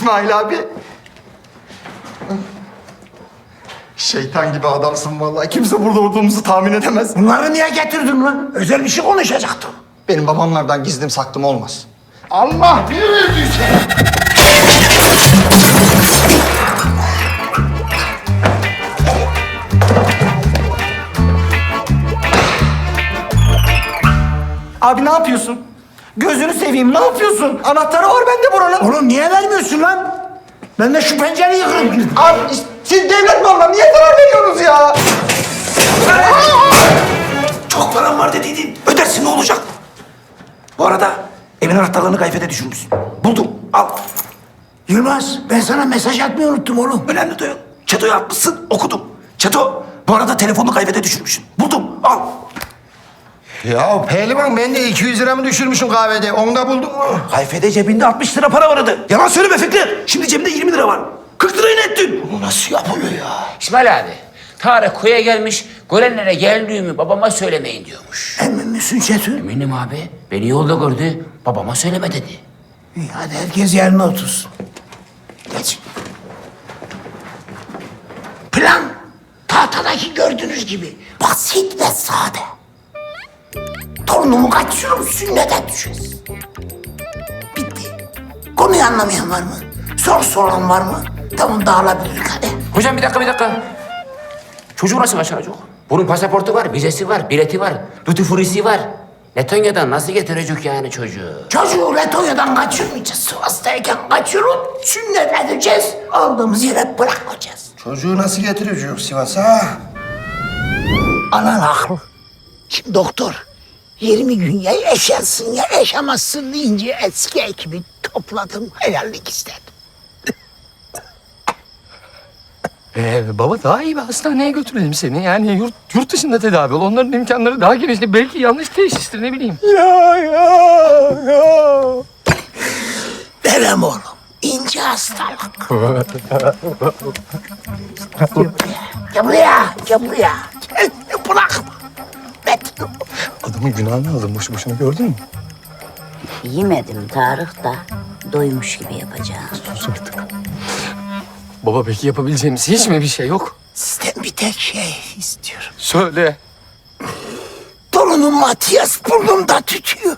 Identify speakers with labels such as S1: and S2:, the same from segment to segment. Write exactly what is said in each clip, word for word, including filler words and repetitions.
S1: İsmail abi. Şeytan gibi adamsın vallahi. Kimse burada olduğumuzu tahmin edemez.
S2: Bunları niye getirdin lan? Özel bir şey konuşacaktım.
S1: Benim babamlardan gizlim saklım olmaz.
S2: Allah bir verdiyse.
S1: Abi ne yapıyorsun? Gözünü seveyim, ne yapıyorsun? Anahtarı var bende buranın.
S2: Oğlum niye vermiyorsun lan? Ben de şu pencereyi kırıp girdim.
S1: Abi siz devlet malına niye zarar veriyorsunuz ya?
S2: Çok param var dediydin. Ödersin ne olacak? Bu arada evin anahtarlarını kayfede düşürmüşsün. Buldum. Al. Yılmaz ben sana mesaj atmayı unuttum oğlum. Önemli değil. Çeto'ya atmışsın okudum. Çeto bu arada telefonunu kayfede düşürmüşsün. Buldum. Al.
S3: Ya pehlivan ben de iki yüz liramı düşürmüşüm kahvede. Onu da buldum.
S2: Kayfede cebinde altmış lira para vardı. Yalan söyleme Fikri. Şimdi cebinde yirmi lira var. kırk lirayı ne ettin? Bu nasıl yapılıyor ya?
S4: İsmail abi, Tarık köye gelmiş, görenlere geldiğimi babama söylemeyin diyormuş.
S2: Emin misin Çetin?
S4: Eminim abi, beni yolda gördü, babama söyleme dedi.
S2: İyi hadi herkes yerine otursun. Geç. Plan tahtadaki gördüğünüz gibi basit ve sade. Torunumu kaçırıyorum, sünnete düşeceğiz. Bitti. Konuyu anlamayan var mı? Soru soran var mı? Tamam dağılabilirik hadi.
S4: Hocam bir dakika, bir dakika. Çocuğu nasıl kaçıracak? Bunun pasaportu var, vizesi var, bileti var, duty free'si var. Letonya'dan nasıl getirecek yani çocuğu?
S2: Çocuğu Letonya'dan kaçırmayacağız. Sivas'tayken kaçırıp sünnet edeceğiz. Aldığımız yere bırakacağız.
S3: Çocuğu nasıl getireceğiz Sivas'a?
S2: Anan haklı. Şimdi doktor yirmi gün ya yaşarsın ya yaşamazsın deyince eski ekibi topladım. Helallik istedim.
S5: Ee, baba daha iyi bir hastaneye götürelim seni. Yani yurt, yurt dışında tedavi ol. Onların imkanları daha geniş. Belki yanlış teşhistir ne bileyim.
S2: Ya ya ya. Verem oğlum. İnce hastalık. Gel buraya. Gel buraya. Gel buraya. Gel bırakma. Metin.
S5: Adamın günahını aldın boşu boşuna gördün mü?
S6: Yemedim Tarık da doymuş gibi yapacağım.
S5: Sus artık. Baba peki yapabileceğimiz hiç mi bir şey yok?
S2: Sizden bir tek şey istiyorum.
S5: Söyle.
S2: Torunum Matias burnumda tütüyor.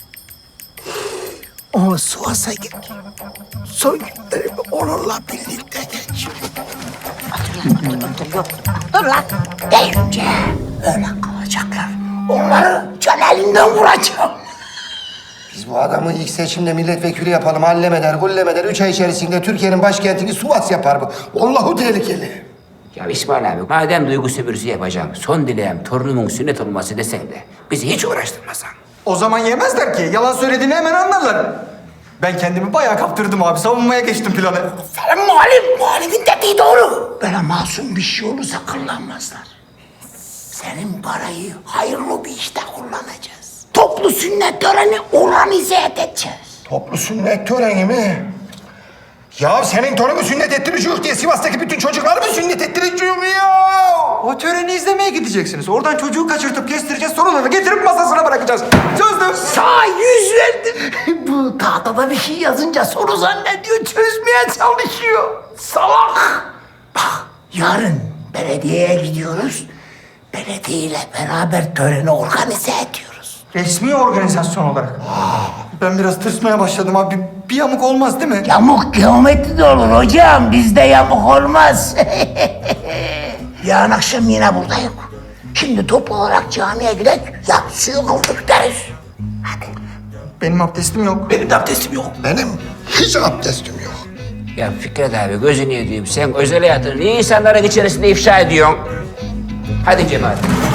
S2: Onu Sivas'a götür. Son günlerimi onunla birlikte geçir.
S6: Dur yok. Dur lan.
S2: Deyince öyle kalacaklar. Onları can elinden vuracağım.
S3: Biz bu adamı ilk seçimde milletvekili yapalım. Hallemeder, gullemeder. Üç ay içerisinde Türkiye'nin başkentini Sivas yapar bu. Vallahi tehlikeli.
S4: Ya İsmail abi, madem duygu sömürüsü yapacağım, son dileğim torunumun sünnet olması desen de bizi hiç uğraştırmasan.
S1: O zaman yemezler ki. Yalan söylediğini hemen anlarlar. Ben kendimi bayağı kaptırdım abi. Savunmaya geçtim planı.
S2: Senin muhalif, muhalifin dediği doğru. Böyle masum bir şey olursa kullanmazlar. Senin parayı hayırlı bir işte kullanacağız. Toplu sünnet töreni organize edeceğiz.
S3: Toplu sünnet töreni mi? Ya senin torunu sünnet ettireceğiz diye Sivas'taki bütün çocukları mı sünnet ettireceğiz ya?
S1: O töreni izlemeye gideceksiniz. Oradan çocuğu kaçırtıp kestireceğiz. Sonra da getirip masasına bırakacağız. Sözdüm.
S2: Sağ yüz verdim. Bu tahtada bir şey yazınca soru zannediyor, çözmeye çalışıyor. Salak. Bak, yarın belediyeye gidiyoruz. Belediye ile beraber töreni organize ediyoruz.
S1: Resmi organizasyon olarak. Ben biraz tırsmaya başladım abi. Bir yamuk olmaz değil mi?
S2: Yamuk geometride olur hocam, bizde yamuk olmaz. Yarın akşam yine buradayım. Şimdi toplu olarak camiye gidelim, yatsıyı kıldık deriz. Hadi.
S1: Benim abdestim yok.
S2: Benim de abdestim yok.
S3: Benim hiç abdestim yok.
S4: Ya Fikret abi, gözünü yediğim sen özel hayatını niye insanların içerisinde ifşa ediyorsun? Hadi Cemal.